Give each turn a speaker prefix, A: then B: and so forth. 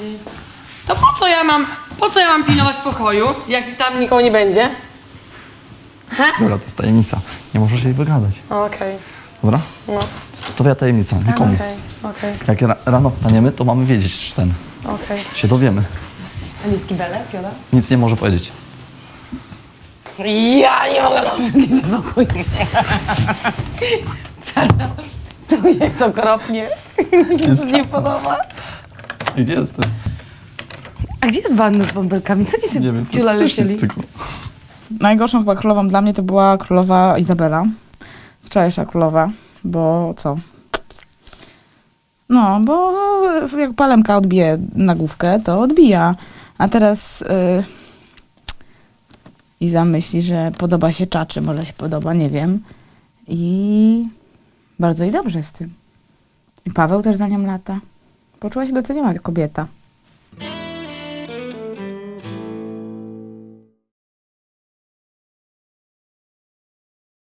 A: To po co ja mam pilnować pokoju, jak tam nikogo nie będzie?
B: Dobra, to jest tajemnica. Nie możesz jej wygadać.
A: Okej.
B: Dobra?
A: No.
B: To twoja tajemnica, nikomu.
A: Okej.
B: Jak rano wstaniemy, to mamy wiedzieć, czy ten.
A: Okej.
B: Się dowiemy.
A: A nie skibele, Piola?
B: Nic nie może powiedzieć.
A: Ja nie mogę na pokoju. Sasza, to jest okropnie. Mi się nie podoba.
B: I gdzie jestem?
A: A gdzie jest wanna z bąbelkami? Co ci
B: Nie wiem, to
A: Ciula
B: jest
A: lecieli?
B: zwykło.
C: Najgorszą chyba królową dla mnie to była królowa Izabela. Wczorajsza królowa, bo co? No, bo jak palemka odbije nagłówkę, to odbija. A teraz Iza myśli, że podoba się czaczy, może się podoba, nie wiem. I bardzo i dobrze z tym. I Paweł też za nią lata. Poczuła się doceniona kobieta.